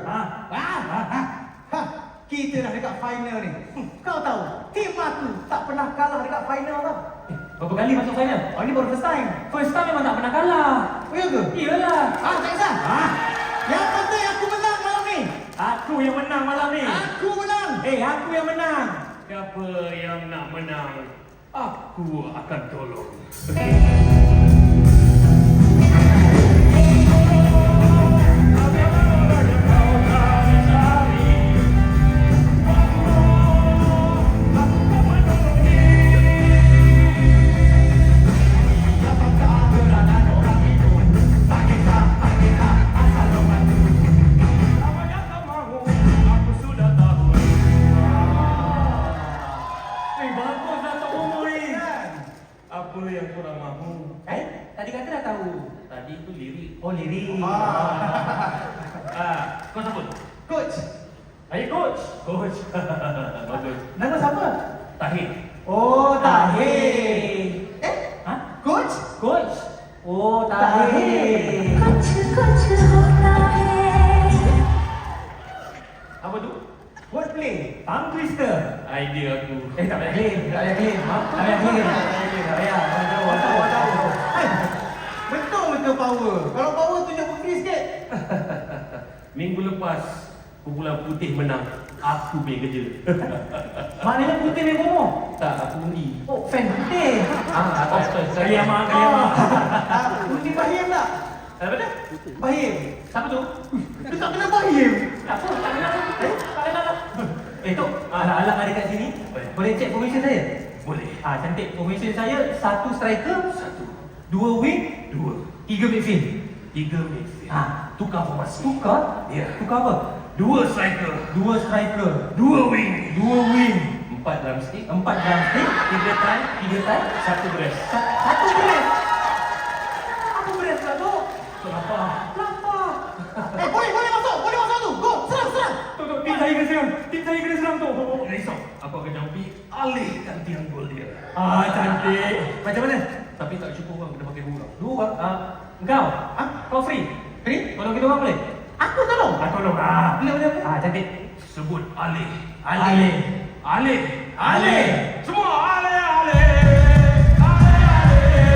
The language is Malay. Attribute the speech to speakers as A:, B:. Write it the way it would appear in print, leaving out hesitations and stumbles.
A: Kita dah dekat final ni. Kau tahu, tim aku tak pernah kalah dekat final tau.
B: Berapa kali masuk final?
A: Oh, ni baru first time.
B: First time memang tak pernah kalah.
A: Oh, ya ke?
B: Iyalah.
A: Tak kisah. Yang penting aku menang malam ni.
B: Aku yang menang malam ni.
A: Aku menang.
B: Aku yang menang.
C: Siapa yang nak menang, aku akan tolong. Apa yang korang mahu?
B: Tadi kata dah tahu.
C: Tadi tu lirik.
B: Oh, lirik.
C: Kau siapa?
A: Coach.
C: Saya coach. Coach. Bagus.
A: Nama siapa?
C: Tahir.
A: Oh, Tahir. Coach?
B: Coach. Oh, Tahir.
D: कुछ कुछ होता है
C: Apa tu?
A: Wordplay.
B: Tongue twister.
C: Idea aku.
B: Tak payah claim. Tak payah claim. Tak payah claim. Tak payah. Tahu.
A: Betul power. Kalau power tunjuk bukti sikit.
C: Minggu lepas, Kumpulan Putih menang. Aku punya kerja.
B: Maknanya putih ni bomo.
C: Tak, aku undi.
B: Oh, fan putih.
C: Kali amak.
A: Undi Bahim tak?
C: Apa dah?
A: Bahim.
B: Siapa tu?
A: Dia tak kena Bahim.
B: Tak apa, tak kenal. Tak kenal. Tok, alang-alang ada kat sini. Boleh check formation saya?
C: Boleh.
B: Cantik. Formation saya, 1 striker, 2 wing, 3 midfield.
C: 3 midfield. Tukar formasi.
B: Tukar?
C: Ya.
B: Tukar apa?
C: 2 striker.
B: 2 striker,
C: 2 wing.
B: 2 wing,
C: 4 drumstick.
B: 4 drumstick,
C: 3 tie.
B: 3 tie,
C: 1 brace.
B: 1 beres. Apa beres pula tu?
C: Lapar.
B: Lapar.
A: Boleh masuk tu. Go, serang.
B: Tok, tim saya kena serang. Tim saya kena serang tu.
C: Jangan risau. Aku akan jampi alihkan tiang gol dia.
B: Cantik. Macam mana?
C: Tapi tak cukup orang kena pakai bola.
B: 2. Engkau? Kau free?
A: Free?
B: Tolong kita orang boleh?
A: Aku tolong.
B: Tolong.
A: Boleh.
B: Cantik.
C: Sebut alih.
B: Alih.
C: Alih.
B: Alih.
C: Semua alih.